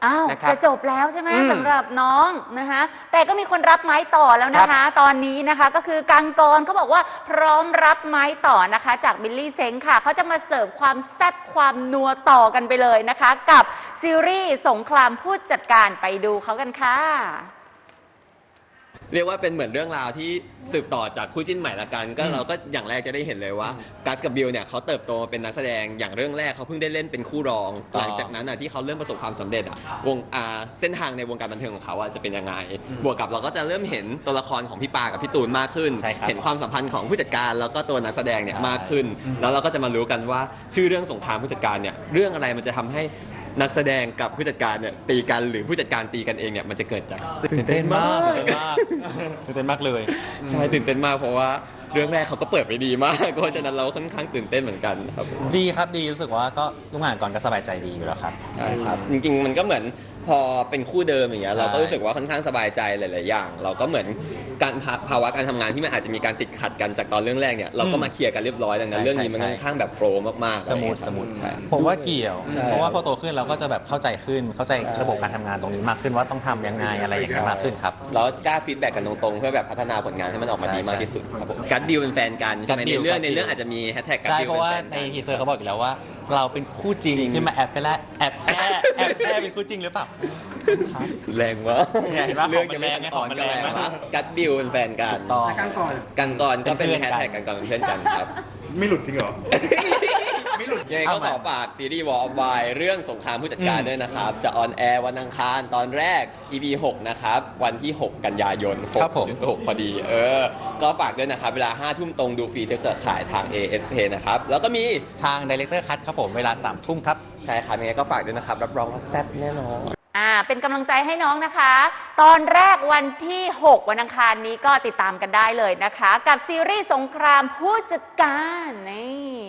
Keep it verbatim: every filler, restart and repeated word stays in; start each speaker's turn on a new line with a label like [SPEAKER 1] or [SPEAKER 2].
[SPEAKER 1] อ้าว
[SPEAKER 2] นะครับ
[SPEAKER 1] จะจบแล้วใช่ไหมสำหรับน้องนะคะแต่ก็มีคนรับไม้ต่อแล้วนะคะตอนนี้นะคะก็คือกังกรเขาบอกว่าพร้อมรับไม้ต่อนะคะจากบิลลี่เซ้งค่ะเขาจะมาเสิร์ฟความแซ่บความนัวต่อกันไปเลยนะคะกับซีรีส์สงครามผู้จัดการไปดูเขากันค่ะ
[SPEAKER 2] เรียกว่าเป็นเหมือนเรื่องราวที่สืบต่อจากคู่จิ้นใหม่ละกันก็เราก็อย่างแรกจะได้เห็นเลยว่ากัสกับบิลเนี่ยเขาเติบโตมาเป็นนักแสดงอย่างเรื่องแรกเขาเพิ่งได้เล่นเป็นคู่รองหลังจากนั้นอ่ะที่เขาเริ่มประสบความสำเร็จอ่ะวงอ่าเส้นทางในวงการบันเทิงของเขาอ่ะจะเป็นยังไงบวกกับเราก็จะเริ่มเห็นตัวละครของพี่ปากับพี่ตูนมากขึ้นเห็นความสัมพันธ์ของผู้จัดการแล้วก็ตัวนักแสดงเนี่ยมากขึ้นแล้วเราก็จะมารู้กันว่าชื่อเรื่องสงครามผู้จัดการเนี่ยเรื่องอะไรมันจะทำให้นักแสดงกับผู้จัดการเนี่ยตีกันหรือผู้จัดการตีกันเองเนี่ยมันจะเกิดจาก
[SPEAKER 3] ตื่นเต้นมากตื่นเต้นมากตื่นเต้นมากเลย
[SPEAKER 2] ใช่ตื่นเต้นมากเพราะว่าเรื่องแรกเขาก็เปิดไปดีมากเพราะฉะนั้นเราค่อนข้างตื่นเต้นเหมือนกันครับ
[SPEAKER 3] ดีครับดีรู้สึกว่าก็ร่วมงานก่อนก็สบายใจดีอยู่แล้วครับ
[SPEAKER 2] ใช่ครับจริงๆมันก็เหมือนพอเป็นคู่เดิมอย่างเงี้ยเราก็รู้สึกว่าค่อนข้างสบายใจหลายๆอย่างเราก็เหมือนการภาวะการทำงานที่มันอาจจะมีการติดขัดกันจากตอนเรื่องแรกเนี่ยเราก็มาเคลียร์กันเรียบร้อยดังนั้นเรื่องนี้มันค่อนข้างแบบโฟล์มากๆ
[SPEAKER 3] สมูทสมูท
[SPEAKER 2] ใช่
[SPEAKER 3] ผมว่าเกี่ยวเพราะว่าพอโตขึ้นเราก็จะแบบเข้าใจขึ้นเข้าใจระบบการทำงานตรงนี้มากขึ้นว่าต้องทำยังไงอะไรอย่างเงี้ยมากขึ้นครับ
[SPEAKER 2] แล้วกล้าฟีดแบ็กกันตรงๆเพื่อแบบพัฒนาผลงานให้มันออกมาดีมากที่สุดครับผมกัดดิวเป็นแฟนกันใช่ไหมในเรื่องในเรื่องอาจจะมีแฮชแท็กกัดดิว
[SPEAKER 3] ใช่เพราะว่าในทีเซอร์เขาบอกอยู่แล้วว่าเราเป็นคู่จริงขึ้นมาแอบไปแล้วแอบแอบแอบแอบเป็นคู่จริงหรือเปล่า
[SPEAKER 2] แรงวะ
[SPEAKER 3] เรื่องจะแรงไงของมันแรงนะ
[SPEAKER 2] กัดดิวเป็นแฟนกัน
[SPEAKER 4] กันก่อน
[SPEAKER 2] กันก่อนก็เป็นแฮชแท็กกันก่อนเป็นเพื่อนกันครับ
[SPEAKER 4] ไม่หลุดจริงเหรอ
[SPEAKER 2] ไม่หลุดยังไงก็ขอฝากซีรีส์ War of Wine เรื่องสงครามผู้จัดการด้วยนะครับจะออนแอร์วันอังคารตอนแรก อี พี หกนะครับวันที่หกกันยายน หกจุดหก พอดีเออก็ฝากด้วยนะครับเวลาห้าทุ่มตรงดูฟรีถ้าเกิดขายทาง เอ เอส เพย์ นะครับแล้วก็มี
[SPEAKER 3] ทาง Director Cut ครับผมเวลาสามทุ่มครับ
[SPEAKER 2] ใช่ครับยังไงก็ฝากด้วยนะครับรับรองว่าแซ่บแน่นอน
[SPEAKER 1] อ่าเป็นกำลังใจให้น้องนะคะตอนแรกวันที่หกวันอังคารนี้ก็ติดตามกันได้เลยนะคะกับซีรีส์สงครามผู้จัดการนี่